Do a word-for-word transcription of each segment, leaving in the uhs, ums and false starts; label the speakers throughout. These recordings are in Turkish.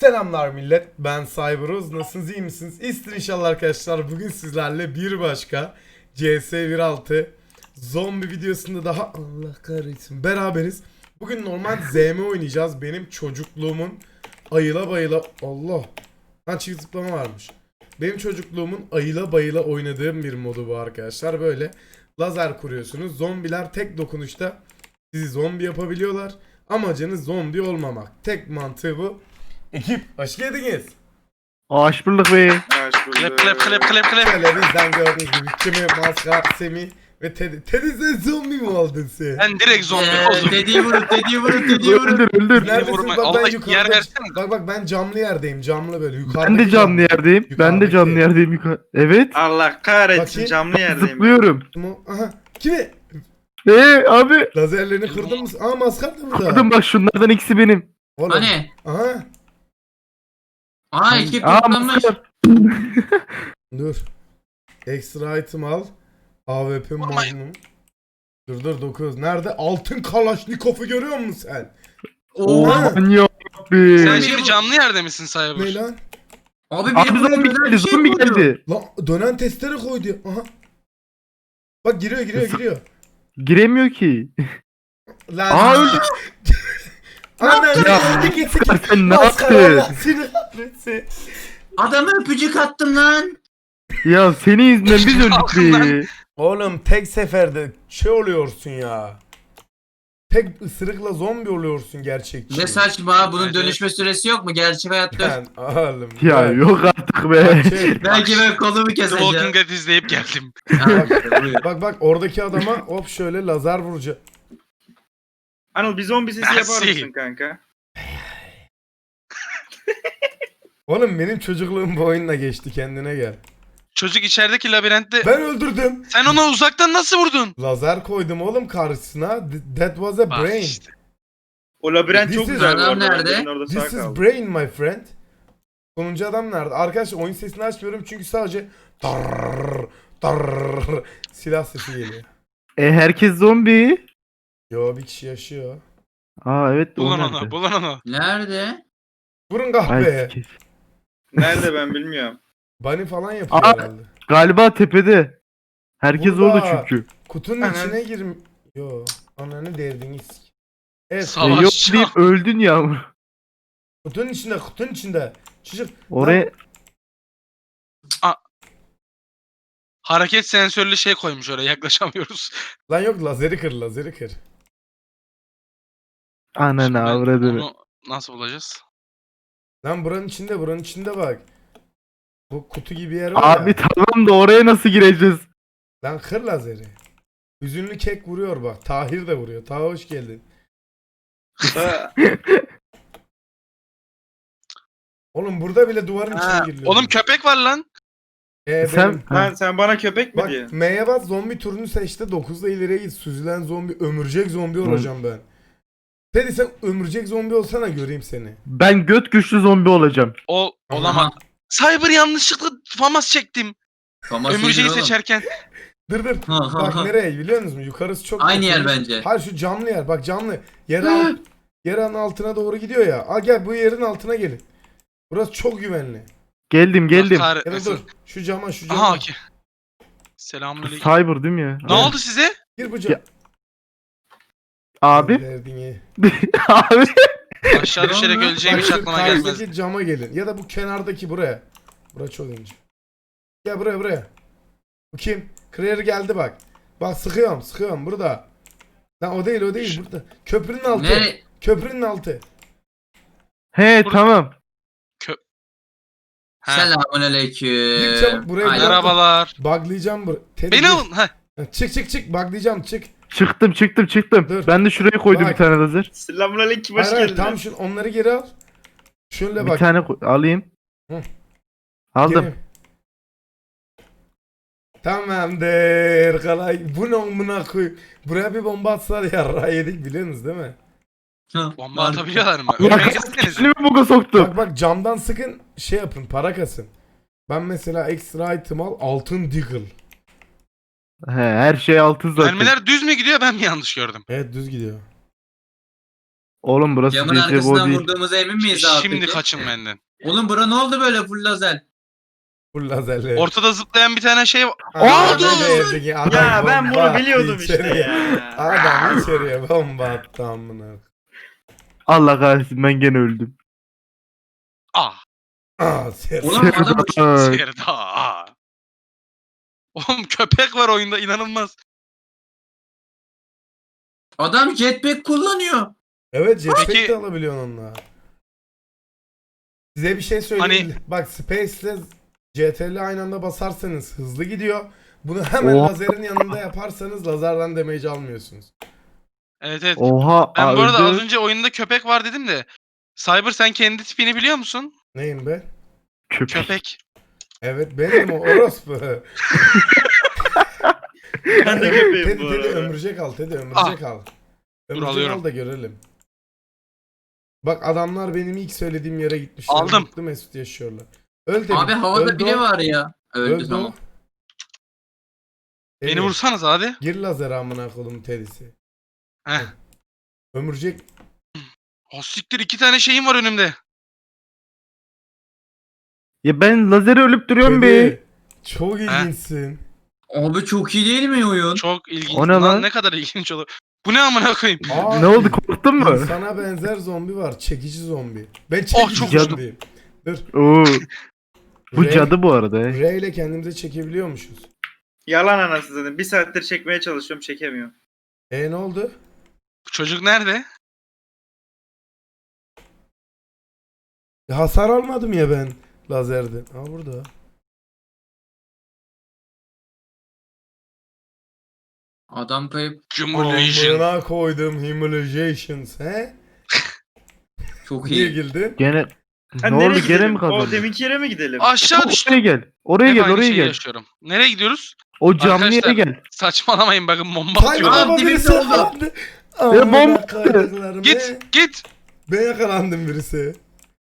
Speaker 1: Selamlar millet, ben Cyberuz. Nasılsınız, iyi misiniz? İyisinizdir inşallah arkadaşlar. Bugün sizlerle bir başka C S bir nokta altı zombi videosunda daha Allah kahretsin beraberiz. Bugün normal Z M oynayacağız. Benim çocukluğumun ayıla bayıla Allah lan çift zıplama varmış. Benim çocukluğumun ayıla bayıla oynadığım bir modu bu arkadaşlar. Böyle lazer kuruyorsunuz. Zombiler tek dokunuşta sizi zombi yapabiliyorlar. Amacınız zombi olmamak. Tek mantığı bu. Ekip hoş geldiniz.
Speaker 2: Hoş bulduk be.
Speaker 3: Klep klep klep klep klep.
Speaker 1: Şöyle bizden gördüğünüz gibi Kimi, Maskar, Semih ve Teddy. Teddy sen zombi mi oldun sen?
Speaker 3: Ben direkt zombi
Speaker 4: Eee
Speaker 3: oldum.
Speaker 4: dediği vurun, dediği vurun, dediği vurun.
Speaker 2: Öldür öldür.
Speaker 1: Neredesin?
Speaker 3: vurma.
Speaker 1: Bak
Speaker 3: Allah
Speaker 1: ben
Speaker 3: yer
Speaker 1: yukarıda.
Speaker 3: versene.
Speaker 1: Bak bak ben camlı yerdeyim. Camlı böyle yukarıda.
Speaker 2: Ben de canlı yerdeyim. Ben de canlı yerdeyim. yukarı- Evet.
Speaker 5: Allah kahretsin
Speaker 1: Bakayım.
Speaker 5: camlı yerdeyim.
Speaker 2: Zıplıyorum.
Speaker 1: Aha. Kimi?
Speaker 2: Eee abi.
Speaker 1: Lazerlerini kırdın mı? Aa Maskar da burada.
Speaker 2: Kırdım bak şunlardan ikisi benim.
Speaker 1: Oğlum.
Speaker 4: Hani?
Speaker 1: Aha.
Speaker 4: Aa ekip
Speaker 2: Aa
Speaker 4: toplanmış.
Speaker 2: maskar.
Speaker 1: Dur. Extra item al. A W P Magnum. Dur dur dokuz. Nerede? Altın Kalaşnikov'u görüyor musun sen?
Speaker 4: Oo.
Speaker 1: Oha.
Speaker 2: Manyak
Speaker 3: Sen
Speaker 2: be.
Speaker 3: şimdi canlı yerde misin
Speaker 1: Ne
Speaker 3: Cyber?
Speaker 1: lan?
Speaker 4: Abi
Speaker 2: Abi
Speaker 4: benim
Speaker 2: zombi
Speaker 4: buraya
Speaker 2: geldi.
Speaker 4: şey
Speaker 2: Zombi
Speaker 4: koydu.
Speaker 2: geldi.
Speaker 1: Lan dönen testere koydu. Aha. Bak giriyor giriyor
Speaker 2: Nasıl?
Speaker 1: giriyor.
Speaker 2: Giremiyor ki.
Speaker 1: Lan.
Speaker 2: Aa öldü.
Speaker 1: Anam
Speaker 2: Ya,
Speaker 1: git
Speaker 2: Maskar sen ne
Speaker 1: Maskar
Speaker 2: yaptın?
Speaker 1: Allah seni kahretsin.
Speaker 4: Adama öpücük attım lan.
Speaker 2: Ya senin yüzünden biz öldük
Speaker 3: Altından.
Speaker 2: be.
Speaker 1: Oğlum tek seferde şey oluyorsun ya. Tek ısırıkla zombi oluyorsun gerçekçi.
Speaker 4: Ne saçma, bunun
Speaker 3: Evet,
Speaker 4: dönüşme süresi yok mu? Gerçek hayatta.
Speaker 1: Ben oğlum.
Speaker 2: Ya
Speaker 1: ben-
Speaker 2: yok artık
Speaker 1: Bak,
Speaker 2: be.
Speaker 1: şey,
Speaker 4: Belki ben kolumu
Speaker 3: The Walking
Speaker 4: keseceğim.
Speaker 3: Dead izleyip geldim.
Speaker 4: Ha, buyur.
Speaker 1: bak bak oradaki adama hop şöyle lazer vuracak.
Speaker 5: Anıl bir zombi sesi yapar
Speaker 3: Merci.
Speaker 5: mısın kanka?
Speaker 1: Oğlum benim çocukluğum bu oyunla geçti, kendine gel.
Speaker 3: Çocuk içerideki labirentte.
Speaker 1: Ben öldürdüm.
Speaker 3: Sen ona uzaktan nasıl vurdun?
Speaker 1: Lazer koydum oğlum karşısına. Th- That was a
Speaker 3: Bak
Speaker 1: brain.
Speaker 3: işte.
Speaker 5: O labirent
Speaker 1: This
Speaker 5: çok
Speaker 1: is-
Speaker 5: güzel bu
Speaker 4: Adam
Speaker 5: arada.
Speaker 4: nerede?
Speaker 5: Ben orada sağ
Speaker 1: This is
Speaker 5: kaldım.
Speaker 1: brain my friend. Sonuncu adam nerede? Arkadaşlar oyun sesini açmıyorum çünkü sadece tarrrr, tarrrr silah sesi geliyor.
Speaker 2: E herkes zombi.
Speaker 1: Yo bir kişi yaşıyor.
Speaker 2: Aa evet. o
Speaker 3: Bulun
Speaker 2: nerede?
Speaker 3: onu, bulun onu.
Speaker 4: Nerede?
Speaker 1: Vurun
Speaker 2: Ay,
Speaker 1: kahveye.
Speaker 2: sikeyim.
Speaker 5: Nerede ben bilmiyorum.
Speaker 1: Bunny falan yapıyor
Speaker 2: Aa,
Speaker 1: herhalde.
Speaker 2: Galiba tepede. Herkes
Speaker 1: Burada.
Speaker 2: orada çünkü.
Speaker 1: Kutunun
Speaker 5: Anan.
Speaker 1: içine girim. Yo ananı derdiniz. Evet.
Speaker 2: E,
Speaker 3: Savaş.
Speaker 2: yok deyip öldün ya.
Speaker 1: Kutunun içinde, kutunun içinde. Çocuk.
Speaker 2: Oraya
Speaker 3: Hareket sensörlü şey koymuş oraya, yaklaşamıyoruz.
Speaker 1: Lan yok lazeri kır, lazeri kır.
Speaker 2: ananı
Speaker 3: Şimdi ben
Speaker 2: avradını.
Speaker 3: onu nasıl bulacağız?
Speaker 1: Lan buranın içinde, buranın içinde bak. Bu kutu gibi yer var
Speaker 2: Abi
Speaker 1: ya.
Speaker 2: tamam da oraya nasıl gireceğiz?
Speaker 1: Lan kır lazeri. Hüzünlü kek vuruyor bak. Tahir de vuruyor. Taha hoş geldin.
Speaker 5: Ha,
Speaker 1: Oğlum burada bile duvarın içine
Speaker 5: Ha,
Speaker 1: giriliyor.
Speaker 3: Oğlum köpek var lan.
Speaker 1: Ee,
Speaker 2: Sen
Speaker 1: benim-
Speaker 5: Lan sen bana köpek mi
Speaker 1: Bak
Speaker 5: diyorsun?
Speaker 1: M'ye bas, zombi turunu seçti. dokuzda ileriye git. Süzülen zombi, ömürcek zombi olacağım ben. Teddy sen ömürcek zombi olsana göreyim seni.
Speaker 2: ben göt güçlü zombi olacağım.
Speaker 3: O olamaz. Cyber yanlışlıkla famas çektim.
Speaker 4: Famas
Speaker 3: Ömürceği
Speaker 4: iyidir oğlum.
Speaker 3: seçerken.
Speaker 1: Dır dır.
Speaker 4: Ha, ha,
Speaker 1: Bak
Speaker 4: ha.
Speaker 1: nereye biliyor musunuz? Yukarısı çok
Speaker 4: Aynı
Speaker 1: kötü.
Speaker 4: yer bence.
Speaker 1: Hayır şu camlı yer. Bak camlı. Yer alt, yerin altına doğru gidiyor ya. Al gel bu yerin altına gelin. Burası çok güvenli.
Speaker 2: Geldim geldim.
Speaker 3: Allah
Speaker 1: Ya da
Speaker 3: kahretmesin.
Speaker 1: dur. Şu cama şu cama.
Speaker 3: Aha okey. Selamünaleyküm.
Speaker 2: Cyber değil mi ya?
Speaker 3: Ne oldu size?
Speaker 1: Gir bu cama.
Speaker 2: Ya- Abi.
Speaker 1: Derdini.
Speaker 2: Abi.
Speaker 3: Aşağı düşerek
Speaker 4: Bak,
Speaker 3: öleceğim hiç
Speaker 1: şu
Speaker 3: aklıma gelmez.
Speaker 1: karşıdaki cama gelin. Ya da bu kenardaki buraya. Bura çok ince. Gel buraya buraya. Bu kim? Clear geldi bak. Bak sıkıyorum sıkıyorum burada. Lan o değil o değil burada. Köprünün altı.
Speaker 4: Ne?
Speaker 1: Köprünün altı.
Speaker 2: He
Speaker 3: Burada-
Speaker 2: tamam.
Speaker 3: Ha.
Speaker 4: Selamünaleyküm.
Speaker 1: Gir çabuk, buraya
Speaker 4: Aynen.
Speaker 1: gel.
Speaker 3: Merhabalar.
Speaker 1: Buglayacağım bur. Teddy
Speaker 3: Beni
Speaker 1: gir.
Speaker 3: alın. Ha.
Speaker 1: Çık çık çık buglayacağım çık.
Speaker 2: Çıktım çıktım çıktım.
Speaker 1: Dur.
Speaker 2: Ben de şuraya koydum
Speaker 1: Bak.
Speaker 2: bir tane lazer.
Speaker 5: Selamünaleyküm hoş
Speaker 1: Hayır hayır
Speaker 5: geldin.
Speaker 1: tam şu onları geri al. Şöyle
Speaker 2: Bir
Speaker 1: bak.
Speaker 2: tane koy- alayım.
Speaker 1: Hı.
Speaker 2: Aldım.
Speaker 1: Geri. Tamamdır. Kalay. Bu ne amına koy. Buraya bir bomba atsalar yarra yedik biliyorsunuz değil mi?
Speaker 4: Hı,
Speaker 3: Bomba
Speaker 4: var.
Speaker 3: atabiliyorlar mı?
Speaker 2: Allah
Speaker 3: Ölmeyi
Speaker 2: kahretsin,
Speaker 3: istediniz.
Speaker 2: mi buga soktum?
Speaker 1: Bak bak camdan sıkın şey yapın para kasın. Ben mesela extra item al altın deagle.
Speaker 2: He, her şey altın zaten.
Speaker 3: Mermiler düz mü gidiyor, ben mi yanlış gördüm?
Speaker 1: Evet düz gidiyor.
Speaker 2: Oğlum burası
Speaker 4: Camın
Speaker 2: C S G O
Speaker 4: arkasından
Speaker 2: değil.
Speaker 4: vurduğumuza emin miyiz abi
Speaker 3: Şimdi
Speaker 4: peki?
Speaker 3: kaçın benden.
Speaker 4: Oğlum bura ne oldu böyle full lazer?
Speaker 1: Full lazerli.
Speaker 3: Ortada zıplayan bir tane şey var.
Speaker 1: Aa,
Speaker 3: oldu?
Speaker 1: ne değerdi ki? Adam
Speaker 5: Ya ben
Speaker 1: bomba
Speaker 5: bunu
Speaker 1: attı
Speaker 5: biliyordum işte
Speaker 1: içeriye.
Speaker 5: ya.
Speaker 1: Adam içeriye bomba attı amına.
Speaker 2: Allah kahretsin ben gene öldüm.
Speaker 3: Ah.
Speaker 1: Aa ses.
Speaker 4: Ulan adam
Speaker 2: Serdar.
Speaker 3: Serda. ah. Oğlum köpek var oyunda inanılmaz.
Speaker 4: adam jetpack kullanıyor.
Speaker 1: Evet jetpack
Speaker 3: Peki-
Speaker 1: de alabiliyorsun onunla. Size bir şey söyleyeyim.
Speaker 3: Hani-
Speaker 1: Bak Space ile C T R L aynı anda basarsanız hızlı gidiyor. Bunu hemen
Speaker 2: Oha.
Speaker 1: lazerin yanında yaparsanız lazerden damage almıyorsunuz.
Speaker 3: Evet evet.
Speaker 2: Oha.
Speaker 3: Ben
Speaker 2: aa,
Speaker 3: bu arada
Speaker 2: öldü.
Speaker 3: az önce oyunda köpek var dedim de. Cyber sen kendi tipini biliyor musun?
Speaker 1: Neyim ben?
Speaker 2: Köpek.
Speaker 3: Köpek.
Speaker 1: Evet benim o orospu.
Speaker 5: Ben de köpeğim
Speaker 1: Teddy
Speaker 5: bu
Speaker 1: Teddy
Speaker 5: arada.
Speaker 1: ömürcek al Teddy ömürcek al. Ömürcek
Speaker 3: alıyorum.
Speaker 1: al da görelim. Bak adamlar benim ilk söylediğim yere gitmişler.
Speaker 3: Aldım.
Speaker 1: Mutlu Mesut yaşıyorlar. Öl Teddy.
Speaker 4: Abi havada
Speaker 1: öldü
Speaker 4: bile
Speaker 1: o,
Speaker 4: var ya. Öldü
Speaker 1: öldü o.
Speaker 4: tamam.
Speaker 1: Teddy,
Speaker 3: Beni vursanız hadi.
Speaker 1: Gir lazer amına koydum Teddy'si.
Speaker 3: Heh.
Speaker 1: Ömürcek
Speaker 3: O siktir iki tane şeyim var önümde.
Speaker 2: Ya ben lazeri ölüp duruyorum be.
Speaker 1: Teddy. Çok ilginçsin.
Speaker 4: Abi çok iyi değil mi oyun?
Speaker 3: Çok ilginç.
Speaker 2: O ne
Speaker 3: Lan
Speaker 2: lan?
Speaker 3: ne kadar ilginç olur. Bu ne amına koyayım?
Speaker 1: Aa,
Speaker 2: Ne oldu korktun mu?
Speaker 1: İnsana benzer zombi var. Çekici zombi. Ben çekici
Speaker 3: çok
Speaker 1: zombiyim. Dur.
Speaker 2: Oo. Bu
Speaker 1: R-
Speaker 2: cadı bu arada. he.
Speaker 1: R ile kendimize çekebiliyormuşuz.
Speaker 5: Yalan anasını zaten. Bir saattir çekmeye çalışıyorum çekemiyorum.
Speaker 1: E ne oldu?
Speaker 3: Bu çocuk nerede?
Speaker 1: Ya hasar almadım ya ben lazerden. Aa burada.
Speaker 4: Adam kayıp.
Speaker 3: Cumulation.
Speaker 1: Amına koydum Humiliations he?
Speaker 4: Çok
Speaker 1: Niye
Speaker 4: iyi.
Speaker 1: girdin?
Speaker 2: Gene
Speaker 5: Ha,
Speaker 2: ne
Speaker 5: nereye
Speaker 2: oldu gene
Speaker 5: gidelim?
Speaker 2: mi
Speaker 5: O
Speaker 2: kazandın?
Speaker 5: deminki yere mi gidelim?
Speaker 3: Aşağı düştüm.
Speaker 2: Oraya gel. Oraya
Speaker 3: Hep
Speaker 2: gel
Speaker 3: aynı
Speaker 2: oraya
Speaker 3: şeyi
Speaker 2: gel.
Speaker 3: yaşıyorum. Nereye gidiyoruz?
Speaker 2: O camlı yere
Speaker 3: Arkadaşlar,
Speaker 2: gel.
Speaker 3: Saçmalamayın bakın bomba
Speaker 1: Tay
Speaker 3: atıyorum.
Speaker 4: Aa,
Speaker 1: baba
Speaker 4: dibinde
Speaker 1: birisi
Speaker 4: oldu.
Speaker 1: yakalandı.
Speaker 2: Ya
Speaker 1: Amına
Speaker 2: bomba-
Speaker 1: koyduklarım, he?
Speaker 3: Git git.
Speaker 1: Ben yakalandım birisi.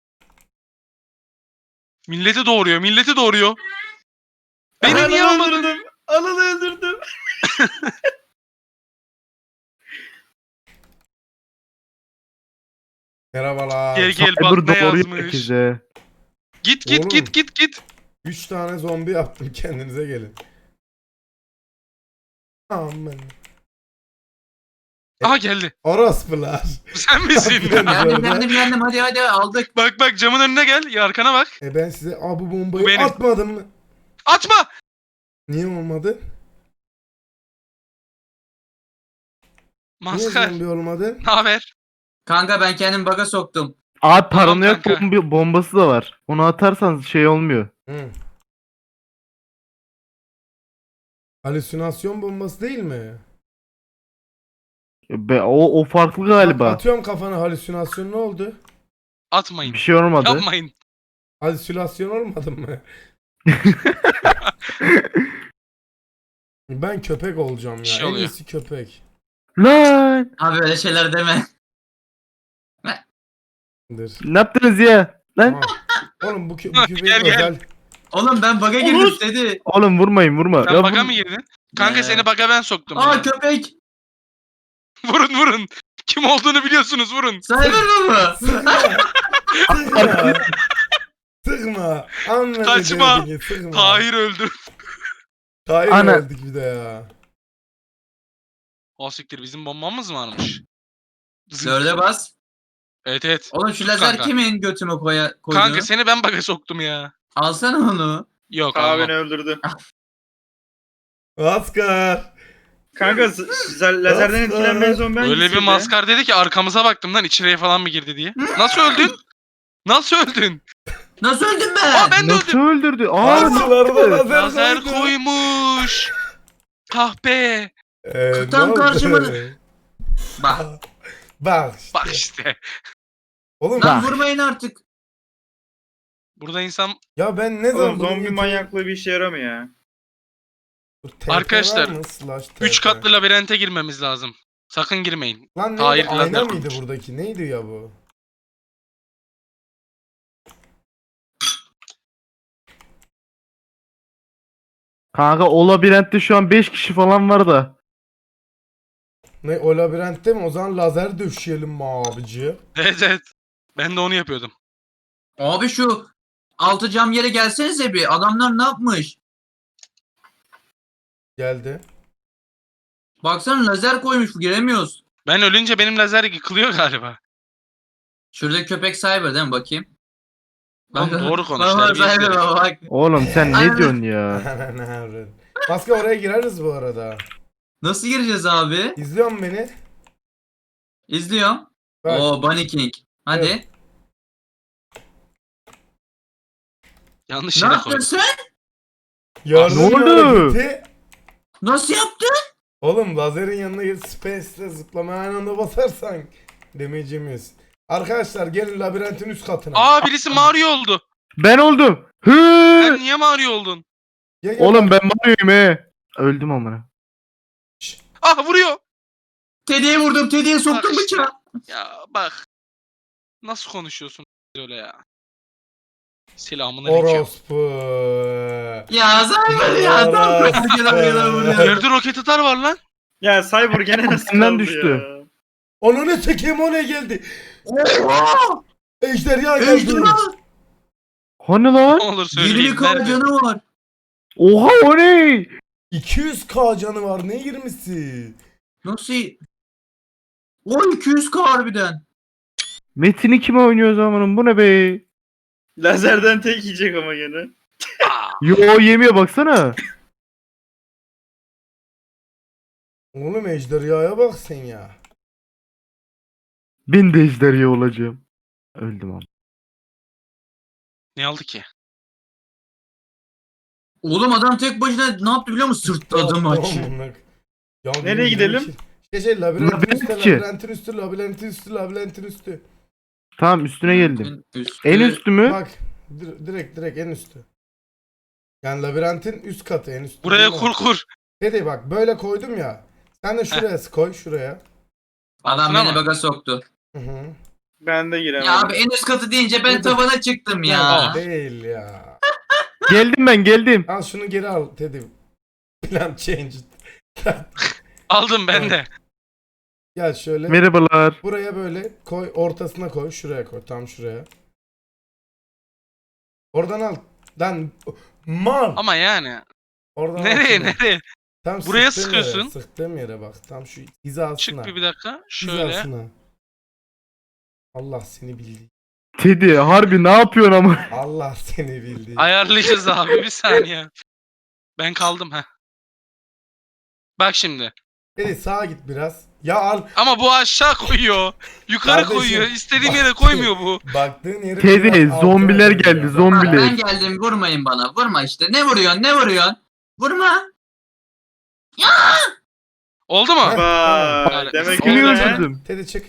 Speaker 3: Milleti doğuruyor milleti doğuruyor. Beni
Speaker 5: Ananı
Speaker 3: niye almadın?
Speaker 5: öldürdüm. Ananı öldürdüm.
Speaker 1: Merhabalar.
Speaker 3: Gel gel
Speaker 2: Cyber
Speaker 3: bak ne
Speaker 2: doğruyor
Speaker 3: yazmış.
Speaker 2: herkese.
Speaker 3: Git git
Speaker 1: Oğlum.
Speaker 3: git git git.
Speaker 1: Üç tane zombi yaptım kendinize gelin. Aman.
Speaker 3: Aha geldi.
Speaker 1: Orospular.
Speaker 3: Sen misin?
Speaker 1: Yapıyorum.
Speaker 4: Geldim geldim geldim hadi hadi aldık.
Speaker 3: Bak bak camın önüne gel. Ya arkana bak.
Speaker 1: E ben size Aa, bu bombayı
Speaker 3: Bu benim.
Speaker 1: atmadım mı?
Speaker 3: Atma.
Speaker 1: Niye olmadı? Niye
Speaker 3: Maskar.
Speaker 1: zombi olmadı?
Speaker 3: Ne haber?
Speaker 4: Kanka ben kendim baga soktum.
Speaker 2: Abi paranoyak
Speaker 3: kanka.
Speaker 2: bombi- bombası da var. Onu atarsan şey olmuyor.
Speaker 1: Hı. Halüsinasyon bombası değil mi?
Speaker 2: Be, o, o farklı galiba.
Speaker 1: Bak, atıyorum kafana halüsinasyon ne oldu?
Speaker 3: Atmayın.
Speaker 2: Bir şey olmadı.
Speaker 3: Yapmayın.
Speaker 1: Halüsinasyon olmadı mı? Ben köpek olacağım ya.
Speaker 3: Bir şey
Speaker 1: En
Speaker 3: oluyor.
Speaker 1: iyisi köpek.
Speaker 2: Lan!
Speaker 4: Abi öyle şeyler deme.
Speaker 1: Dur.
Speaker 2: Ne yaptınız ya? Lan!
Speaker 1: Aa. Oğlum bu, kö bu köpeğin
Speaker 3: Gel, gel.
Speaker 1: özel.
Speaker 4: Oğlum ben baga girdim
Speaker 5: Olur.
Speaker 4: dedi.
Speaker 2: Oğlum vurmayın vurma.
Speaker 3: Sen
Speaker 2: Ya
Speaker 3: baga
Speaker 2: vur-
Speaker 3: mı girdin? Kanka
Speaker 4: Ee.
Speaker 3: seni baga ben soktum.
Speaker 4: Aa
Speaker 3: ya.
Speaker 4: köpek.
Speaker 3: Vurun vurun. Kim olduğunu biliyorsunuz vurun.
Speaker 4: Cyber baba.
Speaker 1: Sıkma. Sıkma. Sıkma. Anladım.
Speaker 3: Kaçma.
Speaker 1: dediğini, Sıkma.
Speaker 3: Tahir öldü.
Speaker 1: Tahir
Speaker 2: Ana.
Speaker 1: öldük bir de ya.
Speaker 3: O siktir bizim bombamız varmış.
Speaker 4: Dörde bas.
Speaker 3: Evet evet.
Speaker 4: Oğlum şu lazer
Speaker 3: Kanka.
Speaker 4: kimin götüme koya koydu?
Speaker 3: Kanka seni ben baga soktum ya.
Speaker 4: Alsana onu.
Speaker 3: Yok
Speaker 5: Aa
Speaker 3: almam.
Speaker 5: beni öldürdü.
Speaker 1: Askar.
Speaker 5: Kanka z- z- lazerden etkilenmeyen zombi
Speaker 3: Öyle bir
Speaker 5: hangisiydi?
Speaker 3: maskar dedi ki arkamıza baktım lan içeriye falan mı girdi diye. Nasıl öldün? Nasıl öldün?
Speaker 4: Nasıl öldüm ben?
Speaker 3: Aa ben de
Speaker 2: Nasıl
Speaker 3: öldüm.
Speaker 2: öldürdü? Aa
Speaker 1: Karşılarına
Speaker 2: nasıl?
Speaker 1: lazer,
Speaker 3: Lazer
Speaker 1: koydu.
Speaker 3: koymuş. Kahpe.
Speaker 1: Ee,
Speaker 4: Tam
Speaker 1: ne oldu?
Speaker 4: karşıma- Bak.
Speaker 1: Bak işte.
Speaker 3: Bak işte.
Speaker 1: Oğlum
Speaker 4: Lan
Speaker 2: Bak.
Speaker 4: vurmayın artık.
Speaker 3: Burada insan
Speaker 1: ya ben ne zaman
Speaker 5: Oğlum
Speaker 1: bunu
Speaker 5: zombi
Speaker 1: getireyim?
Speaker 5: manyaklığı bir işe yaramıyor ya.
Speaker 1: Dur, T P
Speaker 3: Arkadaşlar,
Speaker 1: var mı? Slash T P.
Speaker 3: üç katlı labirente girmemiz lazım. Sakın girmeyin.
Speaker 1: Lan neydi?
Speaker 3: Tahir
Speaker 1: Ayna
Speaker 3: lazer
Speaker 1: mıydı
Speaker 3: koymuş.
Speaker 1: buradaki? Neydi ya bu?
Speaker 2: Kanka o labirentte şu an beş kişi falan var da.
Speaker 1: Ne o labirentte mi? O zaman lazer döşeyelim mi abici?
Speaker 3: Evet evet. Ben de onu yapıyordum.
Speaker 4: Abi şu altı cam yere gelsenize bir. Adamlar ne yapmış?
Speaker 1: Geldi.
Speaker 4: Baksana lazer koymuş, giremiyoruz.
Speaker 3: Ben ölünce benim lazer yıkılıyor galiba.
Speaker 4: Şurada köpek Cyber değil mi? Bakayım.
Speaker 3: Oğlum doğru konuş,
Speaker 4: Bak bak
Speaker 3: terbiyesiz
Speaker 4: Cyber
Speaker 3: herif.
Speaker 4: bak.
Speaker 2: Oğlum sen ne
Speaker 4: Aynen.
Speaker 2: diyorsun ya?
Speaker 1: Ne yapıyorsun? Maske oraya gireriz bu arada.
Speaker 4: Nasıl gireceğiz abi?
Speaker 1: İzliyor musun beni?
Speaker 4: İzliyorum.
Speaker 1: Bak.
Speaker 4: Oo Bunny King. Hadi.
Speaker 1: Evet.
Speaker 3: Yanlış
Speaker 4: Ne
Speaker 3: yere
Speaker 4: yaptın
Speaker 3: koydum.
Speaker 4: sen?
Speaker 1: Yardım
Speaker 2: Ne oldu?
Speaker 1: hareketi.
Speaker 4: Nasıl yaptın?
Speaker 1: Oğlum lazerin yanına gir space'le zıplamaya aynı anda basarsan damage yemiyorsun. Arkadaşlar gelin labirentin üst katına.
Speaker 3: Aa birisi Mario oldu.
Speaker 2: Ben oldum.
Speaker 3: Sen
Speaker 2: Hı!
Speaker 3: niye Mario oldun?
Speaker 1: Gel, gel,
Speaker 2: Oğlum
Speaker 1: bak.
Speaker 2: ben Mario'yum he. Öldüm amına.
Speaker 3: Ah vuruyor.
Speaker 4: Teddy'ye vurdum. Teddy'ye soktum
Speaker 3: Bak işte.
Speaker 4: bıçağı.
Speaker 3: Ya bak. Nasıl konuşuyorsun öyle ya? Selamın aleyküm.
Speaker 1: Orospu.
Speaker 4: Ya Cyber ya. Tam
Speaker 1: Orospu.
Speaker 4: kırmızı gelen vuruyor.
Speaker 3: Yerde roket atar var lan.
Speaker 5: Ya Cyber gene nasıl
Speaker 2: Benden
Speaker 5: kaldı
Speaker 2: düştü.
Speaker 5: ya?
Speaker 1: Onu ne çekeyim o ne geldi?
Speaker 4: Oha!
Speaker 1: Ejderha geldi.
Speaker 4: Ejderha!
Speaker 2: Hani
Speaker 3: Ne
Speaker 2: lan?
Speaker 3: olur söyleyin.
Speaker 4: yirmi K
Speaker 3: Nerede?
Speaker 4: canı var.
Speaker 2: Oha o ne?
Speaker 1: iki yüz K canı var ne yirmisi?
Speaker 4: Nasıl? O iki yüz K harbiden.
Speaker 2: Metin'i kime oynuyor zamanım? Bu ne be?
Speaker 5: Lazerden tek yiyecek ama gene.
Speaker 2: Yo yemiyor baksana.
Speaker 1: Oğlum ejderhaya bak sen ya.
Speaker 2: Ben de ejderha olacağım. Öldüm ama.
Speaker 3: Ne aldı ki?
Speaker 4: Oğlum adam tek başına ne yaptı biliyor musun? Sırtladı maçı.
Speaker 1: Ya
Speaker 5: Nereye gidelim?
Speaker 1: İşte şey labirentin
Speaker 2: Labirent
Speaker 1: üstü,
Speaker 2: ki.
Speaker 1: labirentin üstü, labirentin üstü, labirentin üstü.
Speaker 2: Tamam üstüne geldim.
Speaker 4: Üstü.
Speaker 2: En üstü mü?
Speaker 1: Bak dir- direkt direkt en üstü. Yani labirentin üst katı en üstü.
Speaker 3: Buraya
Speaker 1: değil
Speaker 3: kur
Speaker 1: mi?
Speaker 3: kur.
Speaker 1: Dedi bak böyle koydum ya. Sen de şuraya koy şuraya.
Speaker 4: Adam
Speaker 3: Altına
Speaker 4: beni
Speaker 3: mı?
Speaker 4: baga soktu.
Speaker 1: Hı hı.
Speaker 5: Ben de giremedim.
Speaker 4: Ya abi en üst katı deyince ben
Speaker 1: Dur, dur.
Speaker 4: tavana çıktım ya.
Speaker 3: Aa.
Speaker 1: Değil ya.
Speaker 2: Geldim ben geldim.
Speaker 1: Al şunu geri al Teddy. Plan change.
Speaker 3: Aldım ben
Speaker 1: Evet.
Speaker 3: de.
Speaker 1: Gel şöyle.
Speaker 2: Merhabalar.
Speaker 1: Buraya böyle koy, ortasına koy, şuraya koy, tam şuraya. Oradan al. Lan mal.
Speaker 3: Ama yani.
Speaker 1: Oradan al
Speaker 3: Nereye
Speaker 1: şunu.
Speaker 3: nereye?
Speaker 1: Tam
Speaker 3: Buraya
Speaker 1: sıktığım yere,
Speaker 3: sıkıyorsun.
Speaker 1: sıktığım yere bak. Tam şu hizasına.
Speaker 3: Çık bir bir dakika. Şöyle.
Speaker 1: Hizasına. Allah seni bildi.
Speaker 2: Teddy harbi ne yapıyorsun ama?
Speaker 1: Allah seni bildi.
Speaker 3: Ayarlayacağız abi bir saniye. Ben kaldım ha. Bak şimdi.
Speaker 1: Teddy sağa git biraz. Ya al.
Speaker 3: Ama bu aşağı koyuyor. Yukarı
Speaker 1: Kardeşim,
Speaker 3: koyuyor. İstediğim
Speaker 1: bak-
Speaker 3: yere koymuyor bu.
Speaker 1: Baktığın yeri
Speaker 2: Teddy
Speaker 1: biraz altına
Speaker 2: zombiler
Speaker 1: koy
Speaker 2: geldi
Speaker 1: ya.
Speaker 4: Bak,
Speaker 2: zombiler.
Speaker 4: ben geldim vurmayın bana. Vurma işte. Ne vuruyorsun ne vuruyorsun? Vurma.
Speaker 3: Oldu mu?
Speaker 1: Heh.
Speaker 5: Vay,
Speaker 3: Tamam.
Speaker 5: demek
Speaker 2: Kimi
Speaker 3: Oldu.
Speaker 5: öyle.
Speaker 2: öldürdüm?
Speaker 1: Teddy çık.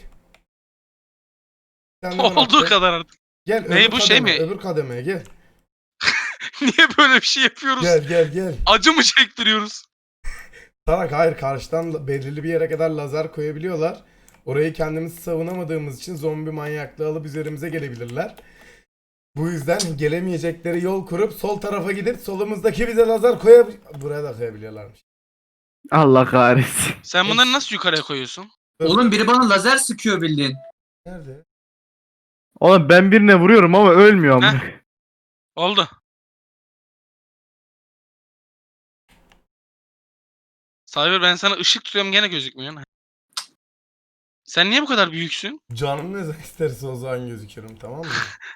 Speaker 1: Sen de bana
Speaker 3: Olduğu
Speaker 1: at.
Speaker 3: kadar artık.
Speaker 1: Gel
Speaker 3: Ne,
Speaker 1: öbür
Speaker 3: bu şey
Speaker 1: kademe,
Speaker 3: mi?
Speaker 1: öbür kademeye gel.
Speaker 3: Niye böyle bir şey yapıyoruz?
Speaker 1: Gel gel gel.
Speaker 3: Acı mı çektiriyoruz?
Speaker 1: Tarak hayır karşıdan la- belirli bir yere kadar lazer koyabiliyorlar. Orayı kendimiz savunamadığımız için zombi manyaklığı alıp üzerimize gelebilirler. Bu yüzden gelemeyecekleri yol kurup sol tarafa gidip solumuzdaki bize lazer koyab... Buraya da koyabiliyorlarmış.
Speaker 2: Allah kahretsin.
Speaker 3: Sen bunları nasıl yukarıya koyuyorsun?
Speaker 4: Oğlum biri bana lazer sıkıyor bildiğin.
Speaker 1: Nerede?
Speaker 2: Oğlum ben birine vuruyorum ama ölmüyor ama.
Speaker 3: Oldu. Cyber ben sana ışık tutuyorum gene gözükmüyorsun. Sen niye bu kadar büyüksün?
Speaker 1: Canım ne zaman isterse o zaman gözüküyorum tamam mı?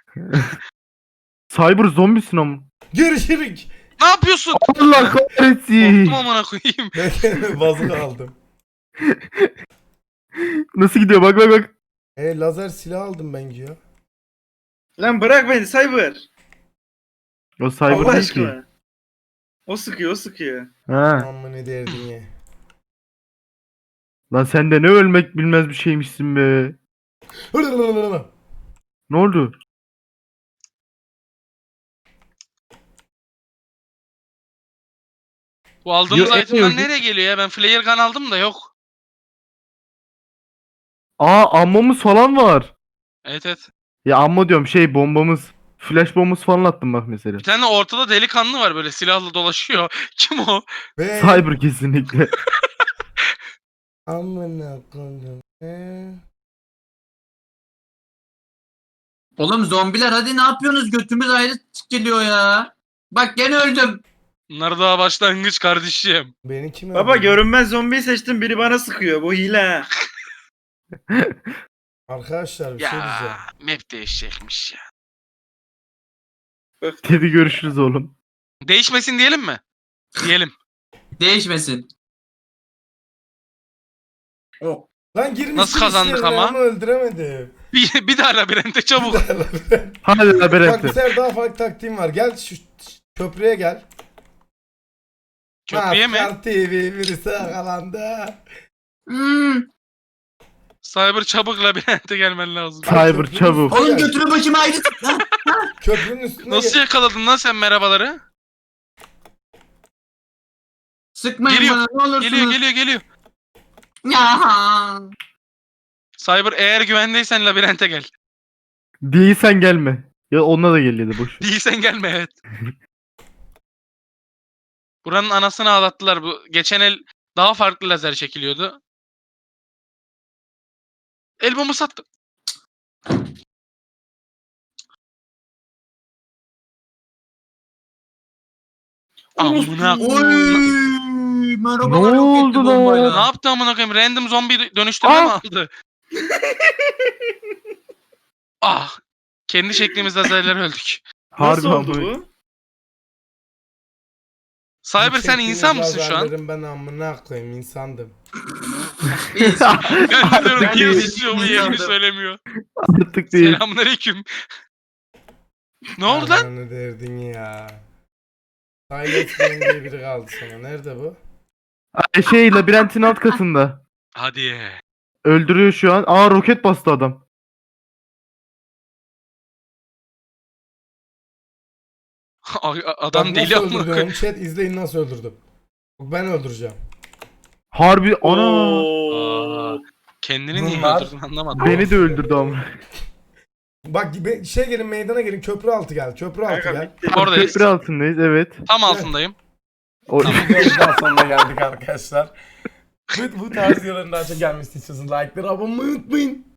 Speaker 2: Cyber zombisin ama.
Speaker 1: Görüşürük.
Speaker 3: Ne yapıyorsun?
Speaker 2: Allah kahretsin.
Speaker 3: Korktum amına koyayım.
Speaker 1: Ben kendime bazuka aldım.
Speaker 2: Nasıl gidiyor bak bak bak.
Speaker 1: E lazer silah aldım ben ya.
Speaker 5: Lan bırak beni Cyber.
Speaker 2: O Cyber
Speaker 5: Allah
Speaker 2: değil ki.
Speaker 5: aşkına. O sıkıyor o sıkıyor.
Speaker 2: Ha.
Speaker 1: Amma ne derdin ya.
Speaker 2: Lan sen de ne ölmek bilmez bir şeymişsin be. Ne oldu?
Speaker 3: Bu aldığımız
Speaker 2: Yo,
Speaker 3: itemler
Speaker 2: en-
Speaker 3: nereye geliyor ya? Ben flare gun aldım da yok.
Speaker 2: Aa ammamız falan var.
Speaker 3: Evet evet.
Speaker 2: Ya amma diyorum şey bombamız. Flash bombamız falan attım bak mesela.
Speaker 3: Bir tane de ortada delikanlı var böyle silahla dolaşıyor. Kim o?
Speaker 1: Ve
Speaker 2: Cyber kesinlikle.
Speaker 1: Amına koydum. Ee?
Speaker 4: Oğlum zombiler hadi ne yapıyorsunuz? Götümüz ayrı geliyor ya. Bak gene öldüm.
Speaker 3: Bunlar daha başlangıç kardeşim.
Speaker 1: Beni kim
Speaker 5: Baba
Speaker 1: öldürdü?
Speaker 5: görünmez zombiyi seçtim, biri bana sıkıyor. Bu hile ha.
Speaker 1: Arkadaşlar bir şey diyeceğim.
Speaker 3: Ya map değişecekmiş ya.
Speaker 2: Dedi görüşürüz oğlum.
Speaker 3: Değişmesin diyelim mi? Diyelim.
Speaker 4: Değişmesin. O.
Speaker 1: Lan girmiştim
Speaker 3: Nasıl kazandık
Speaker 1: içlerine
Speaker 3: ama?
Speaker 1: öldüremedim.
Speaker 3: Bir, bir daha labirente çabuk.
Speaker 2: Hadi
Speaker 1: Bak bir
Speaker 2: labirente.
Speaker 1: sefer daha farklı taktiğim var. Gel şu köprüye gel.
Speaker 3: Köprüye mi?
Speaker 1: Maskar T V birisi yakalandı.
Speaker 4: Hmm.
Speaker 3: Cyber çabuk labirente gelmen lazım.
Speaker 2: Cyber çabuk.
Speaker 4: Oğlum götünü başıma ayrı. Ha?
Speaker 1: Köprünün üstüne
Speaker 3: Nasıl
Speaker 1: gel.
Speaker 3: yakaladın lan sen merhabaları?
Speaker 4: Sıkmayın
Speaker 3: Geliyor,
Speaker 4: bana ne olursunuz.
Speaker 3: Geliyor geliyor geliyor.
Speaker 4: Ya.
Speaker 3: Cyber eğer güvendeysen labirente gel.
Speaker 2: Değilsen gelme. Ya onunla da geliyordu boş.
Speaker 3: Değilsen gelme evet. Buranın anasını ağlattılar. Bu geçen el daha farklı lazer çekiliyordu. El bomba sattı. Amına.
Speaker 4: Oy. Merhabalar
Speaker 2: Ne
Speaker 4: yok
Speaker 2: oldu
Speaker 4: etti
Speaker 2: lan?
Speaker 4: bombayla.
Speaker 3: Ne yaptı amına koyayım? Random zombi dönüştürme
Speaker 2: Ah!
Speaker 3: mi aldı? Ah. Kendi çektiğimiz lazerler öldük.
Speaker 2: Harbi
Speaker 5: Nasıl oldu
Speaker 2: ama.
Speaker 5: bu?
Speaker 3: Cyber sen
Speaker 1: Çektiğiniz
Speaker 3: insan mısın şu an?
Speaker 1: lazerlerin Ben amına koyayım insandım.
Speaker 4: Biz-
Speaker 3: Ben diyorum
Speaker 4: Ben
Speaker 3: ki
Speaker 4: de
Speaker 3: yazışıyor mu yerini
Speaker 4: insandım.
Speaker 3: söylemiyor.
Speaker 2: Artık değil.
Speaker 3: Selamünaleyküm. Ne oldu lan?
Speaker 1: Ananı derdin ya. Silent Game diye biri kaldı sana. Nerede bu?
Speaker 2: Ay, Şey labirentin alt katında.
Speaker 3: Hadi.
Speaker 2: Öldürüyor şu an. Aa roket bastı adam.
Speaker 3: Ay, Adam
Speaker 1: Bak
Speaker 3: deli
Speaker 1: nasıl
Speaker 3: amına
Speaker 1: öldürdüm
Speaker 3: koyayım.
Speaker 1: onu, chat izleyin nasıl öldürdüm. Bak ben öldüreceğim.
Speaker 2: Harbi ana.
Speaker 3: Aa, kendini niye
Speaker 1: Bunlar-
Speaker 3: öldürdün anlamadım.
Speaker 2: Beni de öldürdü ama.
Speaker 1: Bak be- şey gelin meydana gelin köprü altı gel. Köprü altı
Speaker 5: Kanka
Speaker 1: gel.
Speaker 5: bitti.
Speaker 3: Oradayız.
Speaker 2: Köprü altındayız evet.
Speaker 3: Tam altındayım.
Speaker 2: O...
Speaker 1: Videomuzdan sonuna geldik arkadaşlar. Bu, bu tarz videoların daha çok gelmesi için like'ları abone olmayı unutmayın.